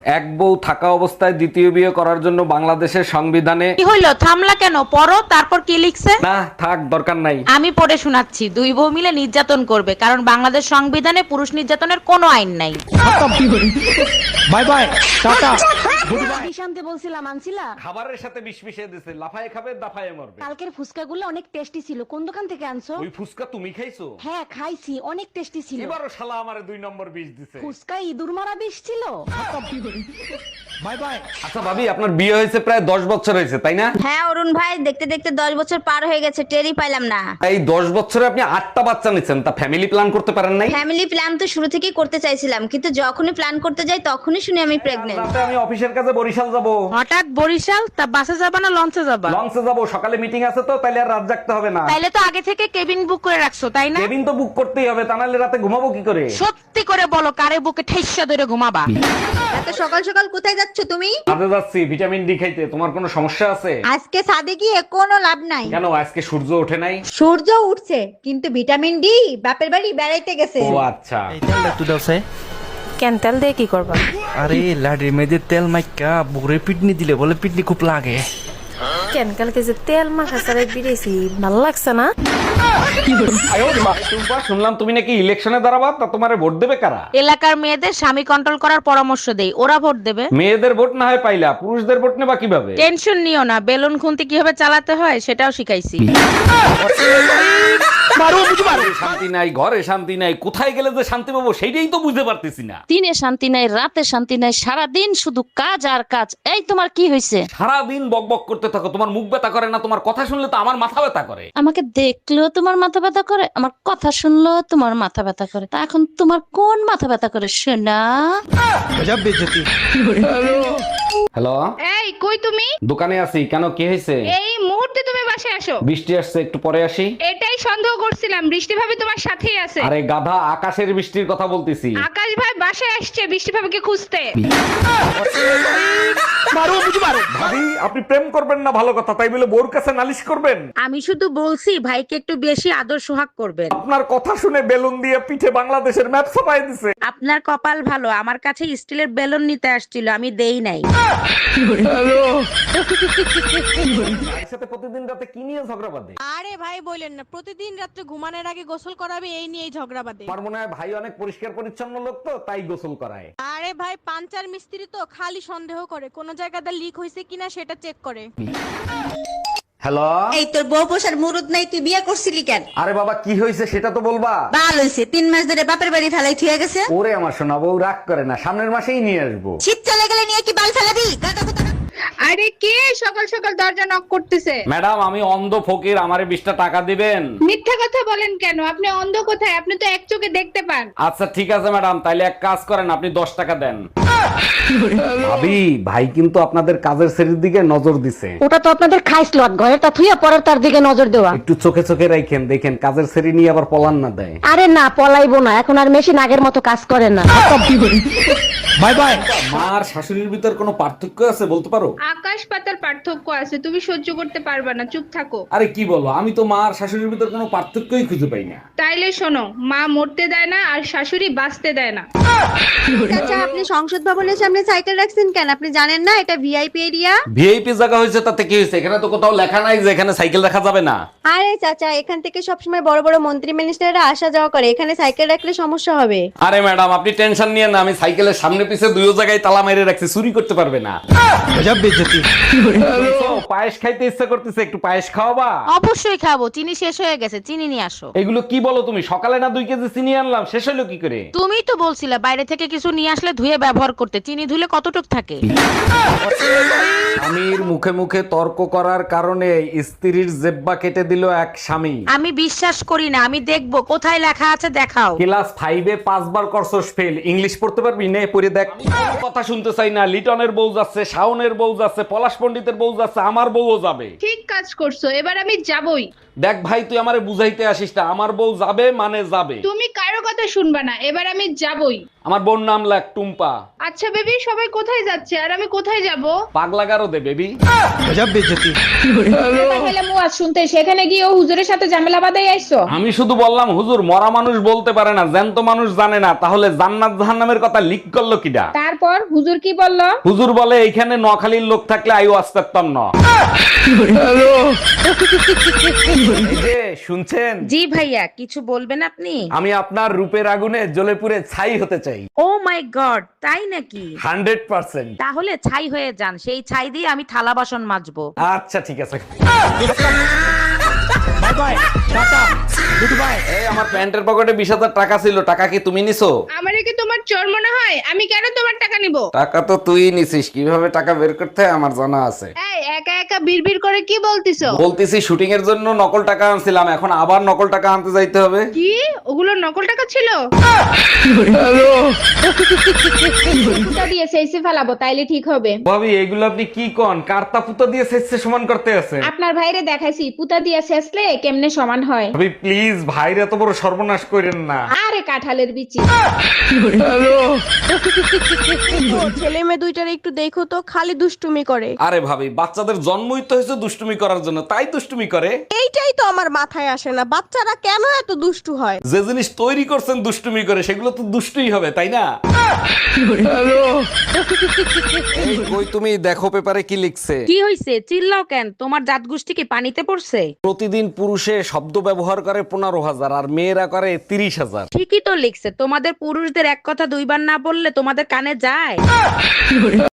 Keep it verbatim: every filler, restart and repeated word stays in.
এক বউ থাকা অবস্থায় দ্বিতীয় বিয়ে করার জন্য বাংলাদেশের সংবিধানে কি হইলো, থামলা কেন? পড়ো, তারপর কি লিখছে? না থাক, দরকার নাই। আমি পড়ে শোনাচ্ছি। দুই বউ মিলে নির্যাতন করবে, কারণ বাংলাদেশ সংবিধানে পুরুষ নির্যাতনের কোনো আইন নাই। Bye bye, tata. শান্তি বলছিলাম আনছিলা। খাবারের সাথে বিষ মিশিয়ে দিছে, লাফায় খাবে দাফায় মরবে। কালকের ফুচকাগুলো অনেক টেস্টি ছিল, কোন দোকান থেকে আনছো? ওই ফুসকা তুমি খাইছো? হ্যাঁ খাইছি, অনেক টেস্টি ছিল। এবারও শালা আমারে দুই নম্বর বিষ দিছে। ফুচকা ইঁদুর মারা বিষ ছিল। Bye bye. আচ্ছা ভাবি, আপনার বিয়ে হয়েছে প্রায় দশ বছর হয়েছে তাই না? হ্যাঁ অরুণ ভাই, দেখতে দেখতে দশ বছর পার হয়ে গেছে, টেরই পাইলাম না। এই দশ বছরে আপনি আটটা বাচ্চা নিচ্ছেন, তা ফ্যামিলি প্ল্যান করতে পারেন নাই? ফ্যামিলি প্ল্যান তো শুরু থেকেই করতে চাইছিলাম, কিন্তু যখনই প্ল্যান করতে যাই তখনই শুনি আমি প্রেগনেন্ট। রাতে আমি অফিসের কাছে বরিশাল যাব। হঠাৎ বরিশাল? তা বাসে যাবা না লঞ্চে যাবা? লঞ্চে যাব, সকালে মিটিং আছে তো, তাইলে আর রাত জাগতে হবে না। তাইলে তো আগে থেকে কেবিন বুক করে রাখছো তাই না? কেবিন তো বুক করতেই হবে, তা নাহলে রাতে ঘুমাবো কি করে? সত্যি করে বলো, কারে বুকে ঠেসা ধরে ঘুমাবা? এত সকাল সকাল কোথায় যাচ্ছ তুমি? কাজে যাচ্ছি ভিটামিন ডি খাইতে। তোমার কোনো সমস্যা আছে? আজকে ছাদে গিয়ে কোনো লাভ নাই। কেন, আজকে সূর্য ওঠে নাই? সূর্য উঠছে, কিন্তু ভিটামিন ডি বাপের বাড়ি বেড়াইতে গেছে। ও আচ্ছা। এই তেলটা একটু দাও সে। কেন, তেল দিয়ে কি করবা? আরে লাডি মেয়েদের তেল মাইকা বুড়ে পিটনি দিলে বলে পিটনি খুব লাগে। কেন কালকে যে তেল মাখা সারাই বিড়েছি, ভালো লাগছে না? টুম্পা, শুনলাম তুমি নাকি ইলেকশনে দাঁড়াবা, তা তোমারে ভোট দেবে কারা? এলাকার মেয়েদের স্বামী কন্ট্রোল করার পরামর্শ দেই, ওরা ভোট দেবে। মেয়েদের ভোট না হয় পাইলা, পুরুষদের ভোট নেবা কিভাবে? টেনশন নিও না, বেলুন খুন্তি কিভাবে চালাতে হয় সেটাও শিখাইছি। শান্তি নাই, ঘরে শান্তি নাই, কোথায় গেলে যে শান্তি পাবো সেইটাই তো বুঝতে পারতেছি না। দিনে শান্তি নাই, রাতে শান্তি নাই, সারাদিন শুধু কাজ আর কাজ। এই তোমার কি হয়েছে? সারাদিন বক বক করতে থাকো, তোমার মুখ ব্যথা করে না? তোমার কথা শুনলে তো আমার মাথা ব্যথা করে। আমাকে দেখলেও তোমার মাথা ব্যথা করে, আমার কথা শুনলেও তোমার মাথা ব্যথা করে। তা এখন তোমার কোন মাথা ব্যথা করে শোনা? গজব বেজতি। হ্যালো, এই কই তুমি? দোকানে আছি। কেন, কি হয়েছে? এই মুহূর্তে তুমি বাসায় আসো। বৃষ্টি আসছে, একটু পরে আসি। এটাই সন্দেহ করছিলাম, বৃষ্টি ভাবি তোমার সাথেই আছে। আরে গাধা, আকাশের বৃষ্টির কথা বলতেছি। আকাশ ভাই বাসায় আসছে বৃষ্টি ভাবিকে খুঁজতে। ভাবি, আপনি প্রেম করবেন না ভালো কথা, তাই বলে বোর কাছে নালিশ করবেন? আমি শুধু বলছি ভাইকে একটু বেশি আদর সোহাগ করবেন। আপনার কথা শুনে বেলুন দিয়ে পিঠে বাংলাদেশের ম্যাপ ছাপাই দিছে। আপনার কপাল ভালো, আমার কাছে স্টিলের বেলুন নিতে আসছিল, আমি দেই নাই। ভাইয়ের সাথে প্রতিদিন রাতে কি নিয়ে ঝগড়া বাঁধে? আরে ভাই বলেন না, প্রতিদিন রাত্রে ঘুমানোর আগে গোসল করাবে, এই নিয়েই ঝগড়া বাঁধে। আমার মনে হয় ভাই অনেক পরিষ্কার পরিচ্ছন্ন লোক তো, তাই গোসল করায়। আরে ভাই পাঞ্চার মিস্ত্রি তো, খালি সন্দেহ করে কোন জায়গাতে লিক হয়েছে কিনা সেটা চেক করে। হ্যালো, এই তোর বউ পোষার মুরুদ নাই, তুই বিয়ে করছিলি কেন? আরে বাবা, কি হয়েছে সেটা তো বলবা। বাল হয়েছে, তিন মাস ধরে বাপের বাড়ি ফেলাই থুয়ে গেছে। ওরে আমার সোনা বউ, রাগ করে না, সামনের মাসেই নিয়ে আসবো। শীত চলে গেলে নিয়ে কি বাল ফেলাবি? গাদা কোথাকার। আরে কে সকাল সকাল দরজা নক করতেছে? ম্যাডাম, আমি অন্ধ ফকির, আমারে বিশটা টাকা দিবেন। মিথ্যা কথা বলেন কেন? আপনি অন্ধ কোথায়? আপনি তো এক চোখে দেখতে পান। আচ্ছা ঠিক আছে ম্যাডাম, তাইলে এক কাজ করেন, আপনি দশ টাকা দেন। ভাবি, ভাই কিন্তু আপনাদের কাজের শ্রেণীর দিকে নজর দিছে। ওটা তো আপনাদের খাইসলত, ঘরে তা থুইয়া পরের তার দিকে নজর দেওয়া। একটু চোখে চোখে রাখেন, দেখেন কাজের শ্রেণী নিয়ে আবার পলান না দেয়। আরে না, পলাইবো না, এখন আর মেশিন আগের মতো কাজ করে না। Bye bye. মার শাশুড়ির ভিতর কোনো পার্থক্য আছে বলতে পারো? আকাশ পাতাল পার্থক্য আছে, তুমি সহ্য করতে পারবা না, চুপ থাকো। আরে কি বলো, আমি তো মার শাশুড়ির ভিতর কোনো পার্থক্যই খুঁজে পাই না। তাইলে শোনো, মা মরতে দেয় না আর শাশুড়ি বাঁচতে দেয় না। আচ্ছা, আপনি সংসদ ভবনের সামনে সাইকেল রাখছেন কেন? আপনি জানেন না এটা ভিআইপি এরিয়া? ভিআইপি জায়গা হয়েছে তাতে কি হয়েছে? এখানে তো কোথাও লেখা নাই যে এখানে সাইকেল রাখা যাবে না। আরে চাচা, এখান থেকে সবসময় বড় বড় মন্ত্রী মিনিস্টাররা আসা যাওয়া করে, এখানে সাইকেল রাখলে সমস্যা হবে। আরে ম্যাডাম, আপনি টেনশন নিয়ে না, আমি সাইকেলের সামনে পিছে দুইও জায়গায় তালা মেরে রাখছি, চুরি করতে পারবে না। গজব বেজতি। পায়েস খাইতে ইচ্ছা করতেছে, একটু পায়েস খাওয়াবা? অবশ্যই খাবো, চিনি শেষ হয়ে গেছে, চিনি নিয়ে আসো। এগুলো কি বলো তুমি? সকালে না দুই কেজি চিনি আনলাম, শেষ হলো কি করে? তুমি তো বলছিলে বাইরে থেকে কিছু নিয়ে আসলে ধুয়ে ব্যবহার করতে, চিনি ধুলে কতটুক থাকে? স্বামীর মুখে মুখে তর্ক করার কারণে স্ত্রীর জেব্বা কেটে দিল এক স্বামী। আমি বিশ্বাস করি না, আমি দেখবো কোথায় লেখা আছে, দেখাও। ক্লাস ফাইভে পাঁচবার করছস ফেল, ইংলিশ পড়তে পারবি? নে পড়ে দেখ। কথা শুনতে চাই না, লিটনের বউ যাচ্ছে, শাওনের বউ যাচ্ছে, পলাশ পণ্ডিতের বউ যাচ্ছে, আমার বউও যাবে। ঠিক কাজ করছো, এবার আমি যাবই। দেখ ভাই, তুই আমারে বুঝাইতে আসিস না, আমার বউ যাবে মানে যাবে। তুমি কারো কথা শুনবা না, এবার আমি যাবই। আমার বোন নাম লাগ টুম্পা। আচ্ছা বেবি, সবাই কোথায় যাচ্ছে আর আমি কোথায় যাব? পাগলা গারো দে বেবি। তাহলে মুয়াজ শুনতে সেখানে গিয়ে ও হুজুরের সাথে ঝামেলা বাঁধাই আইছো? আমি শুধু বললাম হুজুর মরা মানুষ বলতে পারে না, জ্যান্ত মানুষ জানে না, তাহলে জান্নাত জাহান্নামের কথা লিক করলো কিডা? তারপর হুজুর কি বলল? হুজুর বলে এইখানে নখালির লোক থাকলে আইও আসতাম না। এই যে শুনছেন? জি ভাইয়া, কিছু বলবেন আপনি? আমি আপনার রূপের আগুনে জ্বলে পুড়ে ছাই হতে চাই। ও মাই গড, তাই নাকি? Hundred percent. তাহলে ছাই হয়ে যান, সেই ছাই দিয়ে আমি থালা বাসন মাজবো। আচ্ছা ঠিক আছে। এই আমার প্যান্টের পকেটে বিশ হাজার টাকা ছিল, টাকা কি তুমি নিছো? আমারে কি তোমার চোর মনে হয়? আমি কেন তোমার টাকা নিব? টাকা তো তুই নিছিস, কিভাবে টাকা বের করতে হয় আমার জানা আছে। এই একা একা বিড়বিড় করে কি বলতিছো? বলতেছি শুটিং এর জন্য নকল টাকা আনছিলাম, এখন আবার নকল টাকা আনতে যাইতে হবে। কি ওগুলো নকল টাকা ছিল? পুতা দিয়ে সেইসে ফেলাবো, তাইলে ঠিক হবে। ভাবি এগুলো আপনি কি কোন? কার্তা পুতো দিয়ে শেষে সমান করতে আছে? আপনার ভাইরে দেখাইছি পুতা দিয়ে শেষলে কেমনে সমান হয়। ভাবি প্লিজ, ভাইরে এত বড় সর্বনাশ করেন না। আরে কাঁঠালের বিচি। ছেলে মেয়ে দুইটার একটু দেখো তো, খালি দুষ্টুমি করে। আরে ভাবি, বাচ্চাদের জন্মই তো হয়েছে দুষ্টুমি করার জন্য, তাই দুষ্টুমি করে। এইটাই তো আমার মাথায় আসে না, বাচ্চারা কেন এত দুষ্টু হয়? যে জিনিস তৈরি করছেন দুষ্টুমি করে, সেগুলো তো দুষ্টুই হবে, তাই না? এই কই তুমি, দেখো পেপারে কি লিখছে। কি হইছে, চিল্লাও কেন? তোমার জাত গোষ্ঠী কি পানিতে পড়ছে? প্রতিদিন পুরুষে শব্দ ব্যবহার করে পনেরো হাজার আর মেয়েরা করে তিরিশ হাজার। ঠিকই তো লিখছে, তোমাদের পুরুষদের এক কথা দুইবার না বললে তোমাদের কানে যায়?